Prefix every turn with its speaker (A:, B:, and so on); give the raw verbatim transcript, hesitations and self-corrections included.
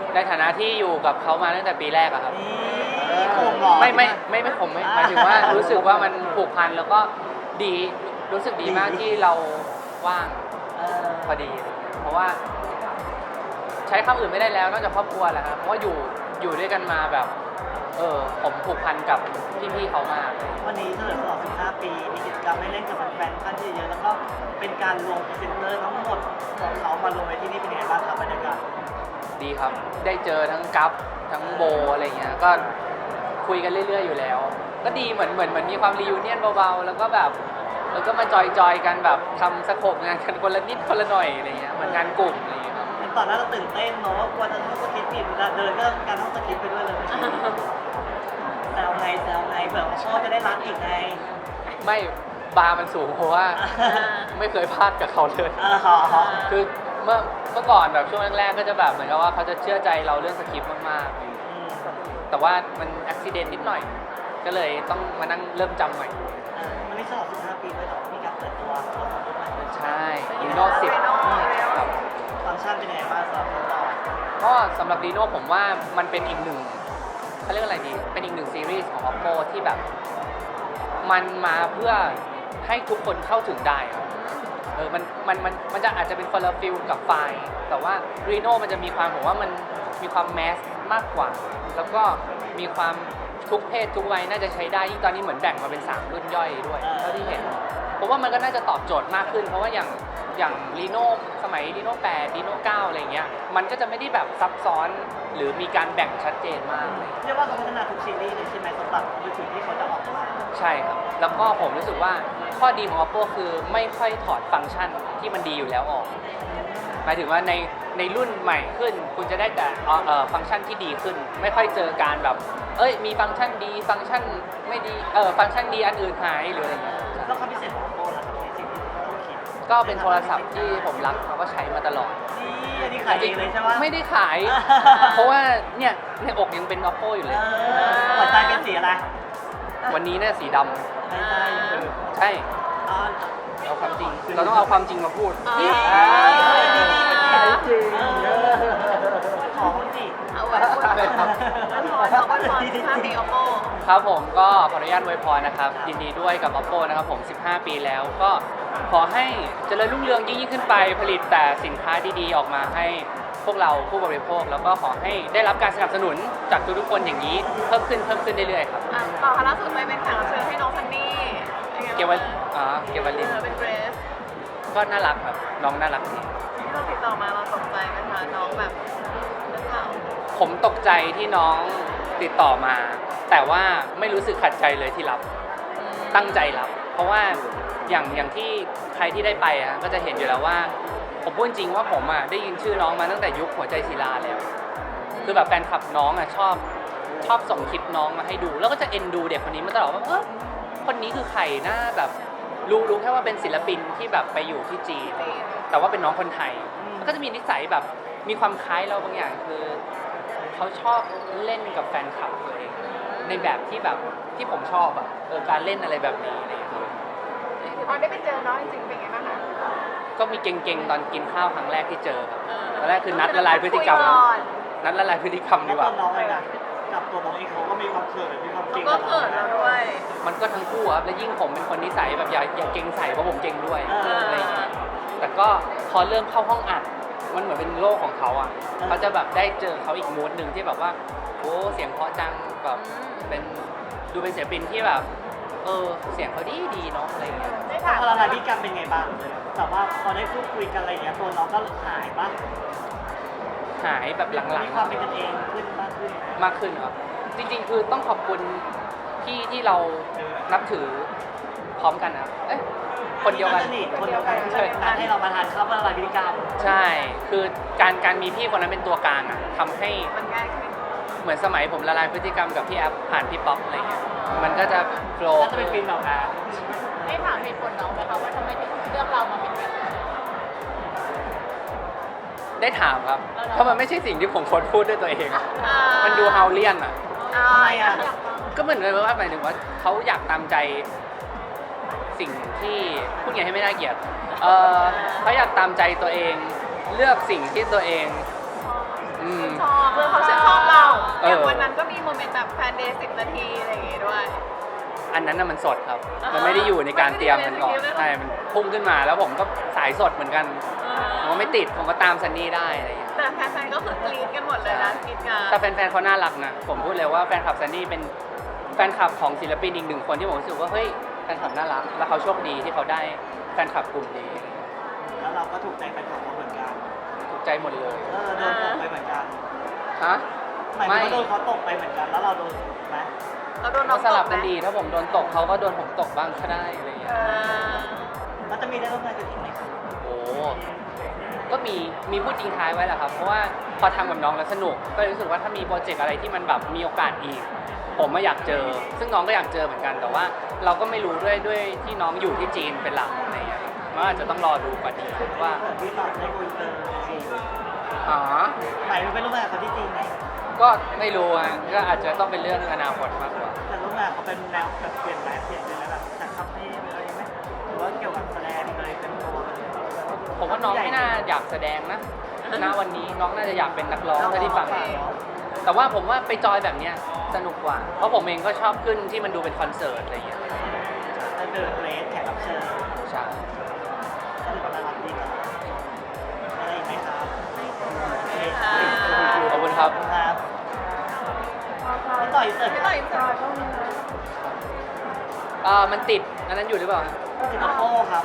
A: ในฐานะที่อยู่กับเขามาตั้งแต่ปีแรกอะครับ
B: นี่โคมหรอ
A: ไม่ไม่ไม่ไม่ผมไม่หมายถึงว่ารู้สึกว่ามันผูกพันแล้วก็ดีรู้สึกดีมากที่เราว่าง
B: เออ
A: พอดี เพราะว่า ใช้คำอื่นไม่ได้แล้วนอกจากครอบครัวแหละครับเพราะว่าอยู่อยู่ด้วยกันมาแบบ เออผมผูกพันกับพี่ๆเขามาก
B: วันนี้เฉลิมฉลองสิบห้าปีมีกิจกรรมให้เล่นกับแฟนๆค่อนข้างที่จะเยอะแล้วก็เป็นการรวมพรีเซนเตอร์ทั้งหมดของเขามารวมไว้ที่นี่เป็นยังไงบ้างครับบรรยากาศ
A: ดีครับ ได้เจอทั้งกัฟทั้งโบอะไรเงี้ย ก็คุยกันเรื่อยๆอยู่แล้ว ก็ดีเหมือนเหมือนเหมือนมีความรีวิเนียนเบาๆ แล้วก็แบบแล้วก็มาจอยๆกันแบบทำสโคปงานกันคนละนิดคนละหน่อยอะไรเงี้ยเหมือนงานกลุ่มอะไรเงี้ยครับ
B: ตอนนั้นเราตื่นเต้นเนาะว่ากลัวจะท่องสคริปต์ผิดเวลาเดินก็การท่องสคริปต์ไปด้วยเลยแซวไงแซวไงเผื่อพ่อจะได้รักอีกไง
A: ไม่บาร์มันสูงเพราะว่าไม่เคยพลาดกับเขาเลย
B: เออ
A: คือเมื่อเมื่อก่อนแบบช่วงแรกๆก็จะแบบเหมือนกับว่าเขาจะเชื่อใจเราเรื่องสคริปต์มากๆ แต่ว่ามันอุบิเหตุนิดหน่อย ก็เลยต้องมานั่งเริ่มจำใหม่
B: มันไม่ฉลองสิบห้าปีด้วยหรอมีการเปิดตัวตัวของรุ่นใหม่ด้วย
A: ใช่ดีโน่สิบครับ
B: ฟังก์ชันเป็นยังไงบ้างสำหรับเรา
A: ก็สำหรับดีโน่ผมว่ามันเป็นอีกหนึ่งเขาเรียกอะไรดี เป็นอีกหนึ่งซีรีส์ของ Oppo ที่แบบ มันมาเพื่อให้ทุกคนเข้าถึงได้ครับเออมันมันมันมันจะอาจจะเป็นคนละฟิลกับไฟล์แต่ว่า Reno มันจะมีความผมว่ามันมีความแมสมากกว่า แล้วก็มีความทุกเพศทุกวัยน่าจะใช้ได้ยิ่งตอนนี้เหมือนแบ่งมาเป็นสามรุ่นย่อยด้วยเท่าที่เห็นผมว่ามันก็น่าจะตอบโจทย์มากขึ้น เพราะว่าอย่างอย่าง Reno สมัย Reno แปด Reno เก้าอะไรเงี้ยมันก็จะไม่ได้แบบซับซ้อนหรือมีการแบ่งชัดเจนมากเลย
B: เรียกว่าเขาพัฒนาทุกซีรีส์เลยใช่ไหมสำหรับมือถือที่เขาจะออกมา
A: ใช่ครับ แล้วก็ผมรู้สึกว่าข้อดีของ Oppo คือไม่ค่อยถอดฟังก์ชันที่มันดีอยู่แล้วออก หมายถึงว่าในในรุ่นใหม่ขึ้น คุณจะได้แต่เอ่อฟังก์ชันที่ดีขึ้น ไม่ค่อยเจอการแบบ เอ้ยมีฟังก์ชันดีฟังก์ชันไม่ดีเออฟังก์ชันดีอันอื่นหายหรืออะไรอย่างเงี้ย
B: แล้วความพิเศษของ Oppo ล่ะครับในสิ่งที่เราต้องคิด
A: ก็เป็นโทรศัพท์ที่ผมรักแล้วก็ใช้มาตลอด
B: นี่อันนี้ขายเองเลยใช่ไหม
A: ไม่ได้ขาย เพราะว่าเนี่ยในอกยังเป็น Oppo อยู่เลย
B: หัวใจเป็นสีอะไร
A: วันนี้เนี่ยสีด
B: ไม่ใช่
A: ำใช่
B: อ๋อ
A: เอาความจริง เราต้องเอาความจริงมาพูด
B: นี่
C: อ่า
B: จริงขอคนสิ
C: เอาไว้พูดแล้วพอเราก็พอสิบห้าปี Oppo
A: ครับผมก็ขออนุญาตอวยพรนะครับ ยินดีด้วยกับ Oppo นะครับผม สิบห้า ปีแล้วก็ขอให้เจริญรุ่งเรืองยิ่งๆขึ้นไปผลิตแต่สินค้าดีๆออกมาให้พวกเราผู้บริโภค แล้วก็ขอให้ได้รับการสนับสนุนจากทุกๆคนอย่างนี้เพิ่มขึ้นเพิ่มขึ้นเรื่อยๆครับ
C: อ่ะต่อค่ะล่าสุดไปเป็นแขกรับเชิญให้น้องซันนี่เป็นไง
A: เก
C: บ้าง
A: วัลอ่าเกวัลลิน
C: เออเป็นเกรส
A: ก็น่ารักครับน้องน่ารักดี
C: ที่เราติดต่อมาเราตกใจไหมคะน้องแบบเรื่องราว
A: ผมตกใจที่น้องติดต่อมา แต่ว่าไม่รู้สึกขัดใจเลยที่รับ ตั้งใจรับ เพราะว่าอย่างอย่างที่ใครที่ได้ไปอ่ะก็จะเห็นอยู่แล้วว่า ผมพูดจริงว่าผมอ่ะได้ยินชื่อน้องมาตั้งแต่ยุคหัวใจศิลาแล้ว คือแบบแฟนคลับน้องอ่ะชอบชอบส่งคลิปน้องมาให้ดู แล้วก็จะเอ็นดูเด็กคนนี้มาตลอดว่าเออคนนี้คือใครนะแบบรู้รู้แค่ว่าเป็นศิลปินที่แบบไปอยู่ที่จีน แต่ว่าเป็นน้องคนไทยมันก็จะมีนิสัยแบบมีความคล้ายเราบางอย่างคือเขาชอบเล่นกับแฟนคลับตัวเองในแบบที่แบบที่ผมชอบอ่ะเออการเล่นอะไรแบบนี้อะไรอย่างเงี้ยครับ
C: พอได้ไปเจอน้องจริงๆเป็นไงบ้างคะ
A: ก็มีเก่งๆตอนกินข้าวครั้งแรกที่เจอครับตอนแรกคือนัดละลายพฤติกรรม
C: คุยก่อน
A: นัดละลายพฤติกรรม
B: แล้
A: ดี
B: ว
A: ก
B: ตั
A: ว่า
B: วน้องเองอะกับตัวน้องเองเขาก็มีความเขินมีความ
C: เขา
B: เก่ง
C: ก็เขินเราด้วย
A: มันก็ทั้งคู่ครับและยิ่งผมเป็นคนนิสัยแบบอย่าอย่าเก่งใส่เพราะผมเก่งด้วยอะไรอย่างเงี้ยแต่ก็พอเริ่มเข้าห้องอัดมันเหมือนเป็นโลกของเขาอ่ะเขาจะแบบได้เจอเขาอีกมูดหนึ่งที่แบบว่าโอ้เสียงเพราะจังแบบเป็นดูเป็นศิลปินที่แบบเออเสียงเขาดีดีเนาะอะไรอย่างเงี้ย
C: ได้ถาม
B: พอละลายพฤติกรรมเป็นไงบ้างแต่ว่าพอได้พูดคุยกันอะไรอย่างเงี้ยตัวน้องก็หายปะ
A: หายแบบหลัง
B: มีความเป็นกันเองขึ้นมากขึ้น
A: ๆมากขึ้นครับจริงๆคือต้องขอบคุณพี่ที่เรานับถือพร้อมกันนะครับเอ้ยคนเดียวกัน
B: สนิทคนเดียวกันที่ช่วยงานให้เรามาทานข้าวพอละลายพฤติกรรม
A: ใช่คือการการมีพี่คนนั้นเป็นตัวกลางอ่ะทำให้
C: มันง่ายขึ้น
A: เหมือนสมัยผมละลายพฤติกรรมกับพี่แอฟผ่านพี่ป๊อปอะไรเงี้ยมันก็จะโฟล์
B: น่าจะเป็นฟิล์มแบบนั้น
C: ได้ถามเหตุผลน้องไหมคะว่าทำไมถึงเลือกเรามาเป็นแบบนี้
A: ได้ถามครับ
C: เอาเหรอ
A: เพราะมันไม่ใช่สิ่งที่ผมโพสต์พูดด้วยตัวเองอะ
C: อ่า
A: มันดูเฮาเลียนอ่ะ
C: อ่าอยากฟัง
A: ก็เหมือนเลยว่าหมายถึงว่าเขาอยากตามใจสิ่งที่พูดไงให้ไม่น่าเกลียดเออเขาอยากตามใจตัวเอง เลือกสิ่งที่ตัวเอง
C: ชอบ
A: อืม
C: ชอบเพื่อนเขาชื่นชอบเรา
A: เออ
C: อย่างวันนั้นก็มีโมเมนต์แบบแฟนเดย์สิบนาทีอะไรอย่างงี้ด้วย
A: อันนั้นน่ะมันสดครับ
C: อ่ามั
A: มันไม่ได้อยู่ในการเตรียมมันก่อน
C: ไม่ได้อยู่ในสคริปต์เลยเหรอ
A: ใช่ มันพุ่งขึ้นมาแล้วผมก็สายสดเหมือนกัน ผมก็ไม่ติด ผมก็ตามซันนี่ได้อะไรอย่างเงี้ย
C: แต่แฟนๆก็คือกรี๊ดกันหมดเลยนะกรี๊ดกัน
A: แต่แฟนๆเขาน่ารักนะ ผมพูดเลยว่าแฟนคลับซันนี่เป็นแฟนคลับของศิลปินอีกหนึ่งคนที่ผมรู้สึกว่าเฮ้ยแฟนคลับน่ารัก แล้วเขาโชคดีที่เขาได้แฟนคลับกลุ่มนี้
B: แล้วเราก็ถูกใจแฟนคลับเขาเหมือนกัน
A: ถูกใจหมดเลย
B: เออโดนตกไปเหมือนกัน
A: ฮะ
B: หมายถึงว่าโดนเขาตกไปเหมือนกัน แล้วเราโดนไหม
C: เราโดนน้
A: ก็
C: อง
A: สลับ
C: ตไหม
A: กันดี ถ้าผมโดนตกเขาก็โดนผมตกบ้างก็ได้อะไรอย่างเงี้
C: เอย อ
B: แล้วจะมีได้ร่วมงานกันอีกไหมครับ
A: โอ้ก็มีมีพูดทิ้งท้ายไว้แหละครับ เพราะว่าพอทำกับน้องแล้วสนุก ก็รู้สึกว่าถ้ามีโปรเจกต์อะไรที่มันแบบมีโอกาสอีก ผมไม่อยากเจอ ซึ่งน้องก็อยากเจอเหมือนกัน แต่ว่าเราก็ไม่รู้ด้วยด้วยที่น้องอยู่ที่จีนเป็นหลักอะไรอย่างเงี้ยมันอาจจะต้องรอดูกว่านี้ว่า
B: เกิดที่ตอนได้คุยเจอจริง
A: อ๋อ
B: หมายถึงไปร่วมงานกับเขาที่จีนไหม
A: ก็ไม่รู้อ่ะก็อาจจะต้องเป็นเรื่องอนาคตมากกว่า
B: แต่ร่วมงานเขาเป็นแนวแบบเปลี่ยนแปลงเปลี่ยนไปแล้วแบบจากคาเฟ่ไปอะไรไหมหรือว่าเกี่ยวกับแสดงเลยเป็นตัวเลย
A: ผมว่าน้องไม่น่าอยากแสดงนะ ณ วันนี้น้องน่าจะอยากเป็นนักร้องถ้าที่ฟัง แต่ว่าผมว่าไปจอยแบบเนี้ยสนุกกว่า เพราะผมเองก็ชอบขึ้นที่มันดูเป็นคอนเสิร์ตอะไรอย่างเงี้ย
B: จะเดินเรสแขกรับเชิญ
A: ใช่
B: ก็ถือว่าน่ารักดีครับอะไรอีกไหมครับ
C: ค่ะ
A: ขอบคุณครับ
B: ครับไม่ต่อยเสร็จ
C: ไม่ต่อยจอย
A: เอ่อมันติด อันนั้นอยู่หรือเปล่า
B: ติดโป้ครับ